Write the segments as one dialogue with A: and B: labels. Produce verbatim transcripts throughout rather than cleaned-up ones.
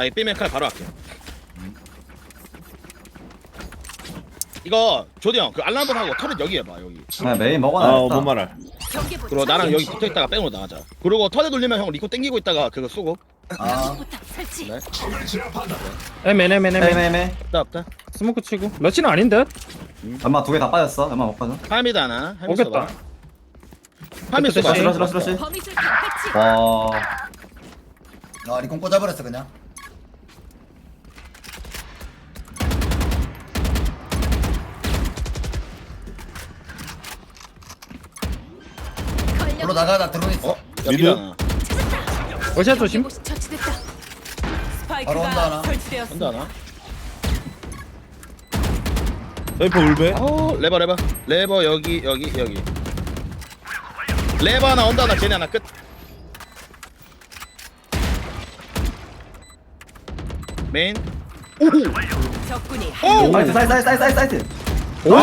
A: 나 이 B맨 칼 바로 할게. 이거 조디 형, 그 알람 한번 하고 터렛 여기 해봐 여기.
B: 그냥 메인
C: 아,
B: 먹어놔야겠다.
C: 뭔 말할.
A: 그리고 나랑 여기 붙어 있다가 백으로 나가자. 그리고 터렛 돌리면 형 리코 땡기고 있다가 그거 쏘고.
B: 아,
A: 네.
D: 에메 에메 에메
B: 에메메.
A: 없다 없다.
D: 스모크 치고 러시는 아닌데?
B: 엄마 두 개 다 빠졌어. 엄마 못 빠져.
A: 하미드 하나. 하미
D: 오겠다.
A: 써봐. 하미 써봐.
D: 러시,
B: 러시 러시 러시.
E: 범위술탄 배치.
B: 와.
F: 아 리콘 꽂아버렸어 그냥. 불러 나가 나 드론 있어.
A: 어? 야
C: 미드?
A: 미드 하나.
D: 러시아 조심.
E: 처치됐다.
F: 바로 온다, 하나.
E: 스파이크가 설치되었습니다.
A: 한다 하나.
C: 사이퍼 울베.
A: 어 레버 레버. 레버 여기 여기 여기. 레버 하나 언더 하나 쟤네 하나 끝. 메인.
E: 적군이
A: 오!
E: 한 명.
B: 사이트 사이트 사이트 사이트 사이트.
D: 오!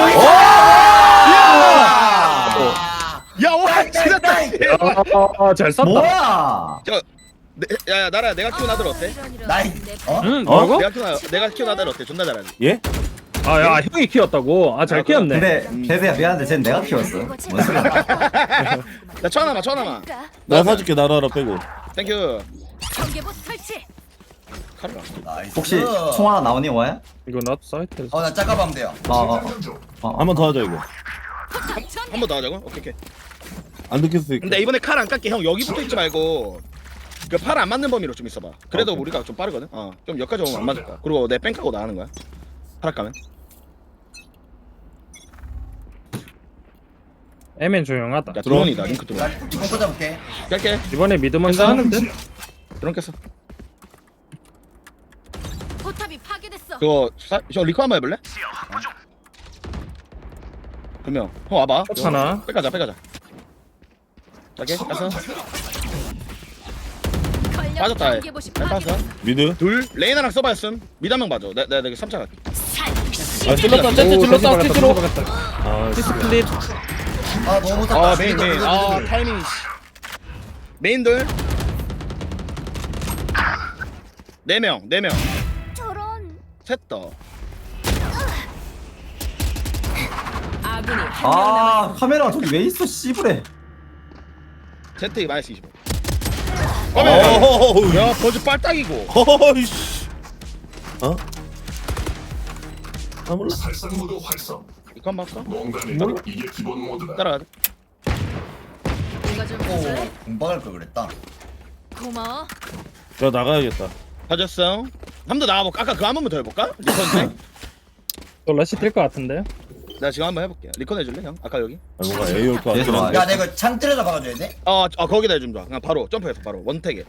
A: 야, 와, 지났다.
D: 아, 잘 쐈다.
B: 뭐야?
A: 저, 내, 야, 야, 나라 내가 키운 아들 어때?
F: 나이. 어?
D: 응, 뭐라고?
A: 내가 키운 아들, 내가 키운 아들 어때? 존나 잘하지.
C: 예?
D: 아, 야, 형이 키웠다고. 아, 잘
A: 아,
D: 키웠네.
B: 근데 대세야 미안한데 쟤는 내가 키웠어. 뭔 소리야?
A: 나 천 하나만, 천 하나만.
C: 나 사줄게 나라 하나 빼고.
A: 땡큐.
E: 경계봇 설치.
A: 칼을 안 써.
F: 나이스.
B: 혹시 총 하나 나오니 와야?
D: 이거 나도 사이트에서.
F: 어나 짝가면 돼요.
B: 어 어. 어.
C: 한 번 더 하자 이거.
A: 한 번 더 하자고? 오케이, 오케이.
C: 안 듣겠을 수 있고.
A: 근데 이번에 칼 안 깎게 형 여기 붙어 있지 말고 그 팔 안 맞는 범위로 좀 있어봐. 그래도
C: 오케이.
A: 우리가 좀 빠르거든. 어, 좀 여기까지 오면 안 맞을 거야. 그리고 내 뺑까고 나가는 거야. 팔 까면.
D: 에멘 조용하다.
A: 야, 드론이다. 링크
F: 나
A: 드론.
F: 리콘 꽂아볼게.
A: 깔게.
D: 이번에 미드 먼저 하는데?
A: 드론 깼어.
E: 포탑이 파괴됐어.
A: 그거 사, 형 리코 한번 해볼래? 그러면 형 와봐.
D: 하나.
A: 빼가자, 빼가자. 자게 가서 빠졌다. 해.
E: 경계봇이
A: 잘 빠졌어.
E: 파괴됐어.
C: 미드.
A: 둘 레이나랑 써봐였음. 미드 한명 봐줘. 내가 내가 삼 차 갈게.
C: 아 찔렀다. 쟤쟤
D: 오,
C: 찔렀다.
D: 다시
C: 찌찌로.
D: 박았다.
C: 아
D: 키스 클립.
F: 아 너무 못했다.
A: 아 메인 메인. 아 타이밍. 메인 둘. 네 명, 네 명.
E: 저런.
A: 셋 더.
E: 아군이 한 명
B: 아
E: 남았습니다.
B: 카메라 저기 왜 있어 씨부래.
A: 제트 마이너스 이십오.
C: 어우.
A: 야 버즈 빨딱이고.
C: 어이씨. 어? 아 몰라.
G: 살상 모드 활성.
A: 이거 한번 할까?
G: 뭔가는 이게 기본 모드다.
A: 따라가자.
E: 이거 좀
F: 오
E: 해줄래?
F: 공박할 걸 그랬다.
E: 고마워.
C: 야 나가야겠다.
A: 가졌어. 한 번 더 나가볼까? 아까 그거 한 번만 더 해볼까? 리컨
D: 또 러시 뛸것 같은데?
A: 내가 지금 한번 해볼게. 리컨 해줄래 형? 아까 여기?
C: 아 뭔가 A 올거
B: 얘들아.
C: 같긴 한데.
F: 야 내가 이거 창 때려서 박아줘야 돼?
A: 어, 어 거기다 해주면 좋아. 그냥 바로 점프해서 바로 원택에.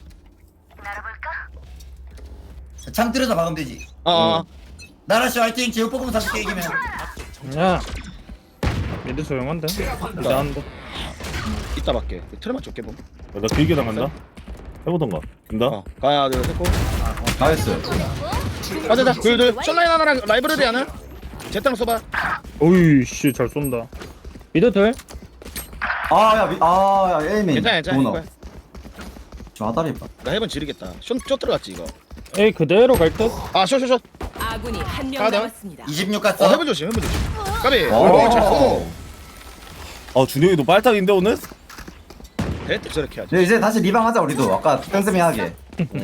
F: 창 때려서 박으면 되지.
A: 어, 어.
F: 나라씨 화이팅. 제육볶음 사줄게 이기면.
D: 야. 미드 조용한데? 미드 한다.
A: 이따 밖에. 트레만 좁게 봄.
C: 야, 나 길게 나간다. 해보던가. 된다.
A: 어, 가야 둘 셋고.
B: 나이스.
A: 가자자. 둘 둘. 숏라인 하나랑 라이브러리 하나. 제땅 써봐.
D: 오이 씨, 잘 쏜다. 미드 둘.
B: 아야 아야 에이민.
A: 괜찮아, 괜찮아.
B: 문어.
A: 이거야.
B: 저 아다리 봐.
A: 나 해본 지르겠다. 숏, 숏 들어갔지 이거.
D: 에이, 그대로 갈 듯?
A: 아, 숏, 숏, 숏.
E: 아군이 한 명
A: 가다.
E: 남았습니다.
F: 이십육
A: 어,
F: 갔어.
A: 해본 조심, 해본 조심. 까비.
B: 오.
A: 어, 잘 쏘.
C: 아 준영이도 빨딱인데 오늘?
A: 대때 저렇게 하지.
B: 이제 이제 다시 리방하자 우리도. 아까 땡스미 하게.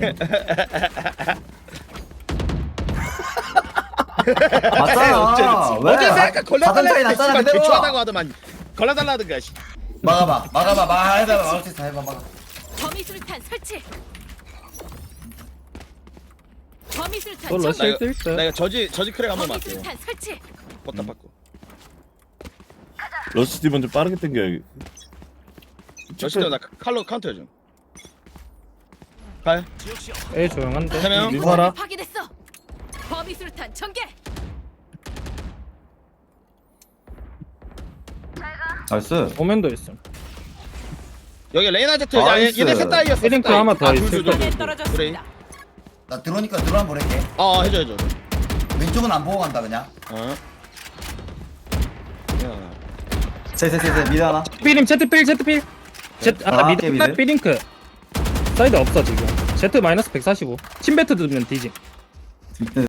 B: 맞잖아. 왜?
A: 어제 내가
B: 사단 차이
A: 걸려달라
B: 났잖아
A: 했지.
B: 그대로.
A: 대충하다고 하더만. 걸려달라 하던가. 씨.
F: 막아봐. 막아봐. 막 해봐. 막을 수 있어. 해봐. 막아.
E: 범위술탄 설치. 범위술탄
D: 또
E: 설치.
A: 나
D: 러시
A: 이거,
D: 뛸
A: 나
D: 듯?
A: 이거 저지 저지 크랙 한번 맞게.
E: 범위술탄 설치.
A: 뻗다 받고.
C: 러시 뒤 먼저 빠르게 당겨야겠.
A: 저시 때나 칼로 카운터 해줘. 갈.
D: 에이, 조용한데?
A: 세 명.
C: 미드 하나.
E: 파괴됐어. 범위술탄 전개.
B: 나이스.
D: 오면도 있음.
A: 여기 레이나 제트. 야, 얘-
B: 나이스.
A: 얘네 셋 다이였어. 셋
D: 링크
A: 다이.
D: 하나 더
A: 아,
D: 있을
A: 둘, 둘,
D: 거야.
A: 둘,
E: 에
A: 둘.
E: 떨어졌습니다.
F: 나 들어오니까 들어 한번 볼게.
A: 어, 해줘, 해줘.
F: 왼쪽은 안 보고 간다 그냥.
A: 어. 야.
B: 세세세세 미드 하나.
D: 삐림, 제트 필, 제트 필. 제트, 아,
B: 아,
D: 미드,
B: 미드.
D: 삐링크. 사이드 없어, 지금. Z 마이너스 백사십오. 침배트 들면 뒤지.